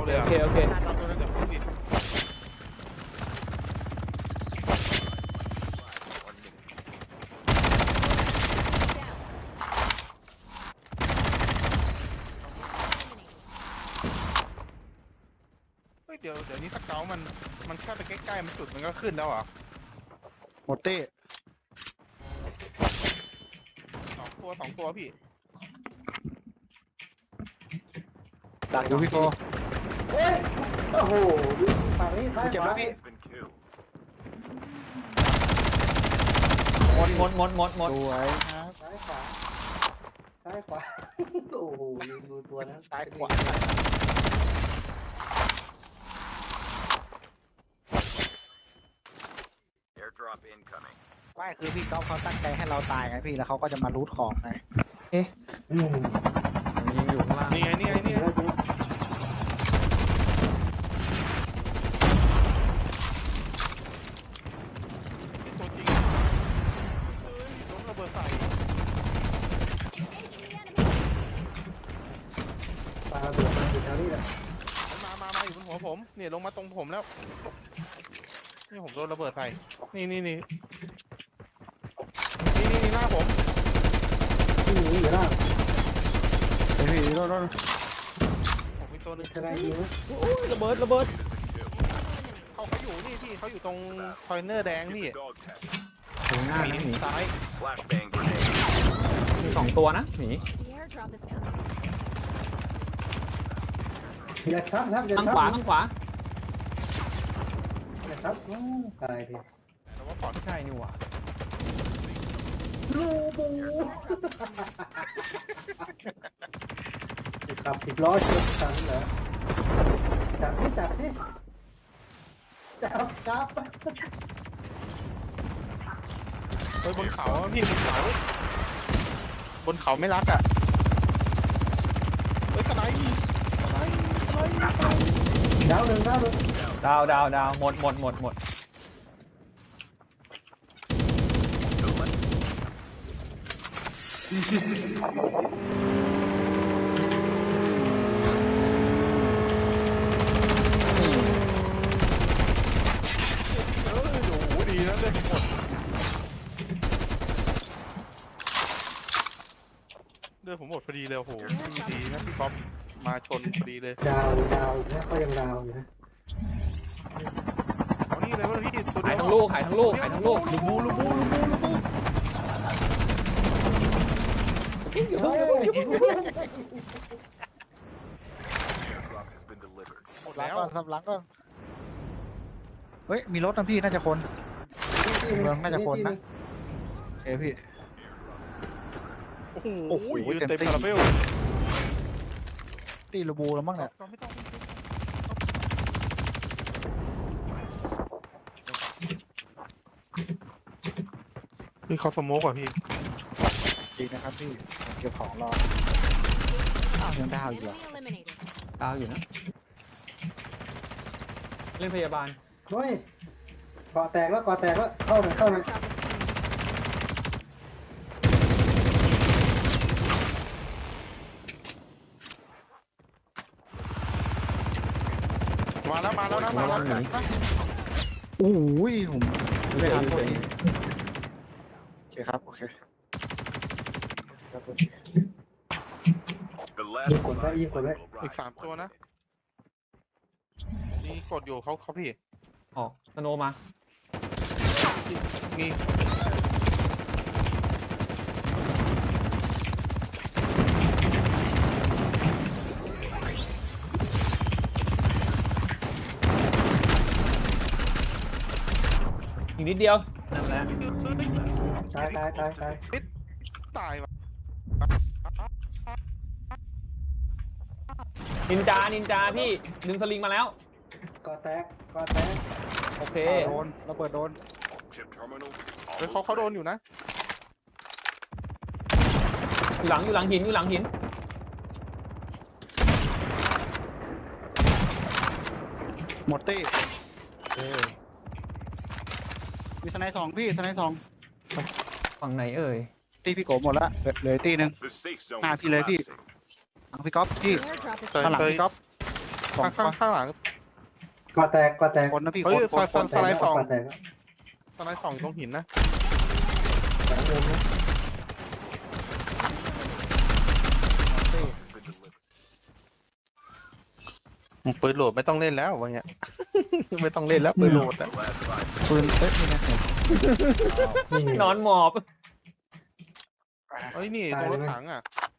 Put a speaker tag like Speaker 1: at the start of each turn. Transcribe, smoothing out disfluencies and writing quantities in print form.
Speaker 1: เลย
Speaker 2: โอ
Speaker 1: อ่ะ
Speaker 2: เคโอเค
Speaker 1: ตามตัวนั้นเดี๋ยวพูดดิเฮ้ยเดี๋ยวนี้สเกลมันแค่ไปใกล้ๆมันจุดมันก็ขึ้นแล้วเหรอ
Speaker 3: หมดตี้
Speaker 1: สองตัวพี่
Speaker 2: ดัก
Speaker 3: ดูพี่โฟ
Speaker 4: เฮ้ยโอ้โหฝั่งนี้ซ้าย
Speaker 3: เจ็บ
Speaker 4: ข
Speaker 3: แล้ว
Speaker 4: วา
Speaker 3: พี่
Speaker 2: หมด
Speaker 3: สวยครับ
Speaker 4: ซ้ายขวาซ้ายขวาโอ้โหดูตัวนั้น
Speaker 3: ซ้ายขวา
Speaker 5: Airdrop incoming.
Speaker 3: ไม่คือพี่ก๊อฟเขาตั้งใจให้เราตายไงพี่แล้วเขาก็จะมารูทของไง
Speaker 4: อืม
Speaker 2: ยิงอยู่ข้างล่าง
Speaker 1: นี่ไงนี่ไงนี่ไง
Speaker 4: แล้วดู
Speaker 1: ตัวจริงเฮ้ยโดนระเบิดใส่
Speaker 4: ปลาเบือมาอยู่แถวนี้แหละ
Speaker 1: มาอยู่บนหัวผมเนี่ยลงมาตรงผมแล้วนี่ผมโดนระเบิดใส่นี่หน้าผม
Speaker 4: ที่หนีอยู่แล้ว
Speaker 3: เฮ้ยพี่โดน
Speaker 1: ผมมีตัวหนึง
Speaker 4: จะได้ยิงไหม
Speaker 2: โอ้ยระเบิดระเบิด
Speaker 1: เขาอยู่นี่พี่เขาอยู่ตรงคอยเนอร์แดงพี่
Speaker 5: Dog tag.
Speaker 2: ถึงหน้า
Speaker 1: ห
Speaker 2: นะ
Speaker 1: มี
Speaker 2: หมี
Speaker 1: ซ้าย
Speaker 5: Flashbang grenade.
Speaker 2: มีสองตัวนะหมี
Speaker 6: The airdrop is coming.
Speaker 4: อย่าทับครับอย่า
Speaker 2: ข้าง
Speaker 4: ทับ
Speaker 2: ขวาข้างขวา
Speaker 4: อย่าทับโอ้ตายที
Speaker 1: แต่ว่าปลอด
Speaker 2: ไม่ใช่นี่หว่า
Speaker 4: ลูบูขับ10 ล้อชนกันเหรอจับที่จับจับ
Speaker 1: เฮ้ยบนเขาอะพี่บนเขาไม่รักอ่ะเฮ้ยสไนป์สไนป์
Speaker 4: ดาวหนึ่ง
Speaker 2: ดาวหมดนี่
Speaker 1: โอ้ดีนะเลยหมดเลือดผมหมดพอดีเลยโอ้โหดีนะพี่ก๊อฟมาชนพอดีเลย
Speaker 4: ดาวอยู่นะก็ยังดาวอยู่นะ
Speaker 1: เอานี่เลยว่าพี่ตัว
Speaker 2: หา
Speaker 1: เดี
Speaker 2: ย
Speaker 1: ยว
Speaker 2: ทั้งลูกหายทั้งลูกหายทั้งลูก
Speaker 1: ลูบู
Speaker 4: เฮ้ย
Speaker 5: Airdrop has been delivered.
Speaker 1: หมด
Speaker 3: หลัง
Speaker 1: แล้ว
Speaker 3: ก่อนสับหลังก่อนเฮ้ยมีรถนะพี่น่าจะคน เมืองน่าจะคนนะ โอเคพี่
Speaker 1: โอ้โหเต็มคาราเบล
Speaker 3: ตีลูบูแล้วมั้งเนี่ย
Speaker 1: ไม่ต้องพี่เขาสโมกอ่ะพี่
Speaker 3: ดีนะครับพี่เก็บของรออ้าวยังดาวอยู่เหรอ
Speaker 6: Enemy eliminated.
Speaker 2: ดาวอยู่นะเล่นพยาบาล
Speaker 4: เฮ้ยเกาะแตกแล้วเข้าหน่อย
Speaker 6: Airdrop is coming.
Speaker 1: มาแล้วนะ
Speaker 3: โอ้ยผม
Speaker 2: ไม่ทันเลย
Speaker 3: โอเคครับโอเคครับโอเค
Speaker 5: The
Speaker 4: ยิ
Speaker 5: last
Speaker 4: งกดไว้ยิงกดไว้
Speaker 5: will
Speaker 1: อีก
Speaker 5: rise.
Speaker 1: 3 ตัวนะนี่กดอยู่เขาพี่
Speaker 2: ออกสโนว์มา
Speaker 1: มี
Speaker 2: อีกนิดเดียวนั่นแหละ
Speaker 4: ตาย
Speaker 1: ตายว่ะ
Speaker 2: นินจาพี่ดึงสลิงมาแล้ว
Speaker 4: เกาะแตก
Speaker 2: โอเค
Speaker 3: โดนระเบิดโดน
Speaker 5: Chip terminal is
Speaker 1: เฮ้ย
Speaker 5: almost
Speaker 1: เขาโดน
Speaker 5: ready.
Speaker 1: อยู่นะ
Speaker 2: อยู่หลังหิน
Speaker 3: หมดตี้มีสไนด์สองพี่สไนด์สอง
Speaker 2: ฝั่งไหนเอ่ย
Speaker 3: ตีพี่โกหมดละเหลือตีหนึ่ง
Speaker 5: The safe zone
Speaker 3: Ah,
Speaker 5: is
Speaker 3: พี่เลยพี่
Speaker 5: collapsing.
Speaker 3: หลังพี่ก๊อฟพี่
Speaker 6: The airdrop is
Speaker 1: เคย
Speaker 3: ข้างหลัง
Speaker 1: เคย
Speaker 3: พี่ก๊อฟ
Speaker 1: เค
Speaker 3: สอง
Speaker 1: ข้างข้างหลัง
Speaker 4: ก่อแตกก่อแตก
Speaker 3: คนนะพี่
Speaker 1: เฮ้ย
Speaker 3: คน
Speaker 1: สไลด์สอง
Speaker 4: ก่อแตก
Speaker 1: ตอนนั้นสองอยู่ตรงหินนะ
Speaker 4: แตกเดิมนะ
Speaker 5: Has been delivered.
Speaker 1: ปืนโหลดไม่ต้องเล่นแล้ววะเงี้ย ไม่ต้องเล่นแล้วปืนโหลดอะ
Speaker 5: The last five.
Speaker 3: ปืนเอ้ยนี่นะ
Speaker 4: นี่
Speaker 2: นอนหมอบ
Speaker 1: เฮ้ยนี่ตรงรถถังอะ